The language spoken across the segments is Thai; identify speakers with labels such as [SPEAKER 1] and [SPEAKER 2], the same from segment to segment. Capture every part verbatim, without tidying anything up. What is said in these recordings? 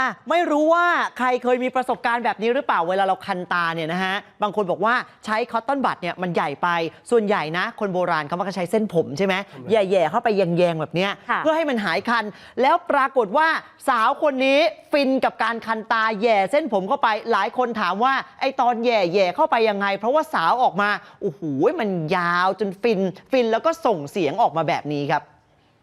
[SPEAKER 1] อ่ะไม่รู้ว่าใครเคยมีประสบการณ์แบบนี้หรือเปล่าเวลาเราคันตาเนี่ยนะฮะบางคนบอกว่าใช้คอตตอนบัดเนี่ยมันใหญ่ไปส่วนใหญ่นะคนโบราณเขามักจะใช้เส้นผมใช่ไหมแย่ๆเข้าไปแยงๆแบบเนี้ยเพื่อให้มันหายคันแล้วปรากฏว่าสาวคนนี้ฟินกับการคันตาแย่เส้นผมเข้าไปหลายคนถามว่าไอตอนแย่ๆเข้าไปยังไงเพราะว่าสาวออกมาโอ้โหมันยาวจนฟินฟินแล้วก็ส่งเสียงออกมาแบบนี้ครับ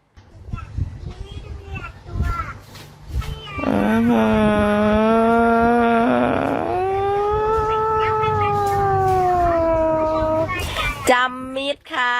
[SPEAKER 2] จำมิดค่ะ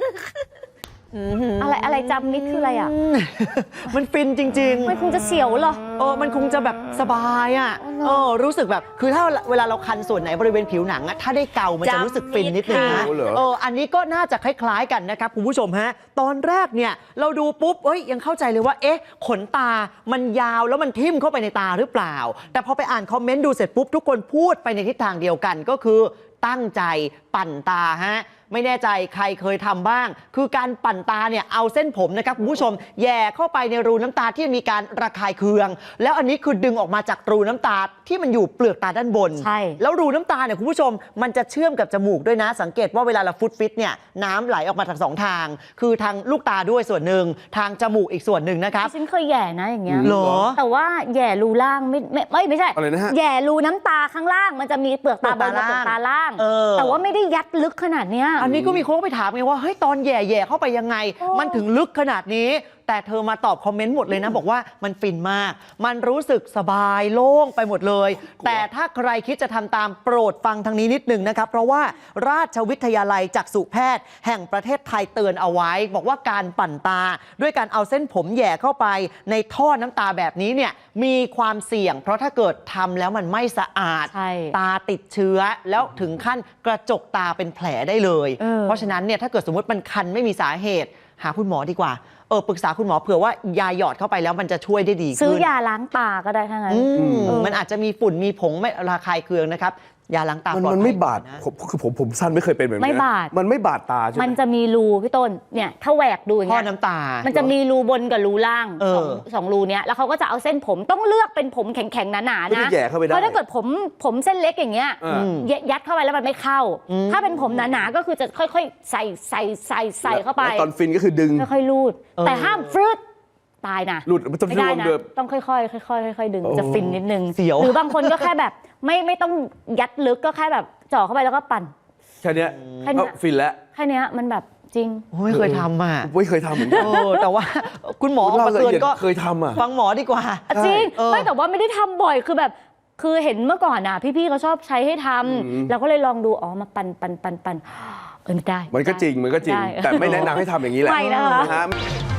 [SPEAKER 3] อะไรอะไรจำมิดคืออะไรอ่ะ
[SPEAKER 1] มันฟินจริงๆ
[SPEAKER 3] มันคงจะเสียวเหรอ
[SPEAKER 1] เออมันคงจะแบบสบายอ่ะเออรู้สึกแบบคือถ้าเวลาเราคันส่วนไหนบริเวณผิวหนังอะถ้าได้เกามันจะรู้สึกฟินนิดนึงนะเอออันนี้ก็น่าจะคล้ายๆกันนะครับคุณผู้ชมฮะตอนแรกเนี่ยเราดูปุ๊บเอ้ยยังเข้าใจเลยว่าเอ๊ะขนตามันยาวแล้วมันทิ่มเข้าไปในตาหรือเปล่าแต่พอไปอ่านคอมเมนต์ดูเสร็จปุ๊บทุกคนพูดไปในทิศทางเดียวกันก็คือตั้งใจปั่นตาฮะไม่แน่ใจใครเคยทำบ้างคือการปั่นตาเนี่ยเอาเส้นผมนะครับคุณผู้ชมแย่เข้าไปในรูน้ำตาที่มีการระคายเคืองแล้วอันนี้คือดึงออกมาจากรูน้ำตาที่มันอยู่เปลือกตาด้านบน
[SPEAKER 3] ใช่
[SPEAKER 1] แล้วรูน้ำตาเนี่ยคุณผู้ชมมันจะเชื่อมกับจมูกด้วยนะสังเกตว่าเวลาเราฟุตฟิตเนี่ยน้ำไหลออกมาทางสองทางคือทางลูกตาด้วยส่วนหนึ่งทางจมูกอีกส่วนหนึ่งนะครับ
[SPEAKER 3] ฉันเคยแย่นะอย่างเงี้ย
[SPEAKER 1] หรอ
[SPEAKER 3] แต่ว่าแย่รูล่างไม่ไม่ไม่ไม่ใช่
[SPEAKER 4] อะไรนะฮะ
[SPEAKER 3] แย่รูน้ำตาข้างล่างมันจะมีเปลือกตาบนกับเปลือกตาล่างแต่ว่าไม่ได้ยัดลึกขนาดเนี้ย
[SPEAKER 1] อันนี้ก็มีคนไปถามไงว่าเฮ้ยตอนแย่ๆเข้าไปยังไงมันถึงลึกขนาดนี้แต่เธอมาตอบคอมเมนต์หมดเลยนะบอกว่ามันฟินมากมันรู้สึกสบายโล่งไปหมดเลยแต่ถ้าใครคิดจะทำตามโปรดฟังทางนี้นิดนึงนะครับเพราะว่าราชวิทยาลัยจักษุแพทย์แห่งประเทศไทยเตือนเอาไว้บอกว่าการปั่นตาด้วยการเอาเส้นผมแย่เข้าไปในท่อน้ำตาแบบนี้เนี่ยมีความเสี่ยงเพราะถ้าเกิดทำแล้วมันไม่สะอาดตาติดเชื้อแล้วถึงขั้นกระจกตาเป็นแผลได้เลยเ, เพราะฉะนั้นเนี่ยถ้าเกิดสมมติมันคันไม่มีสาเหตุหาคุณหมอดีกว่าเออปรึกษาคุณหมอเผื่อว่ายาหยอดเข้าไปแล้วมันจะช่วยได้ดีขึ้น
[SPEAKER 3] ซื้อยาล้างตาก็ได้ทั้งนั้น
[SPEAKER 1] มันอาจจะมีฝุ่นมีผงไม่ระคายเคืองนะครับยาล้างตา
[SPEAKER 4] มันมันไม่บาดคือผมผมสั้นไม่เคยเป็นแบบนี้
[SPEAKER 3] ไม่บาด
[SPEAKER 4] มันไม่บาดตาใช่ไหม
[SPEAKER 3] มันจะมีรูพี่ต้นเนี่ยถ้าแหวกดูอย่างเงี้
[SPEAKER 1] ยท่อน้ำตา
[SPEAKER 3] มันจะมีรูบนกับรูล่างสองสองรูเนี้ยแล้วเขาก็จะเอาเส้นผมต้องเลือกเป็นผมแข็งๆหนาๆนะเพราะถ้าเกิดผมผมเส้นเล็กอย่างเงี้ยยัดเข้าไปแล้วมันไม่เข้าถ้าเป็นผมหนาๆก็คือจะค่อยๆใส่ใส่ใส่ใส่เข้าไป
[SPEAKER 4] ตอนฟินก็คือดึง
[SPEAKER 3] ค่อยๆลูดแต่ห้ามฟรึดตายนะ
[SPEAKER 4] หลุด
[SPEAKER 3] ไม่ได้นะต้องค่อยๆค่อยๆค่อยๆดึงจะฟินนิดนึงหรือบางคนก็แค่แบบไม่ไม่ต้องยัดลึกก็แค่แบบจ่อเข้าไปแล้วก็ปั่น
[SPEAKER 4] แค่นี้ก็ฟินแล้ว
[SPEAKER 3] แค่นี้มันแบบจริง
[SPEAKER 1] ไม่เคยทำอ่ะ
[SPEAKER 4] ไม่เคยทำเหมือนกัน
[SPEAKER 1] แต่ว่าคุณหมอมาเตือนก็
[SPEAKER 4] เคยทำอ่ะ
[SPEAKER 1] ฟังหมอดีกว่า
[SPEAKER 3] จริงไม่แต่ว่าไม่ได้ทำบ่อยคือแบบคือเห็นเมื่อก่อนอ่ะพี่ๆเขาชอบใช้ให้ทำเราก็เลยลองดูอ๋อมาปั่นปั่นปั่นปั่นเออไม่ได้
[SPEAKER 4] มันก็จริงมันก็จริงแต่ไม่แนะนำให้ทำอย่างนี้แหละ
[SPEAKER 3] ไม่นะคะ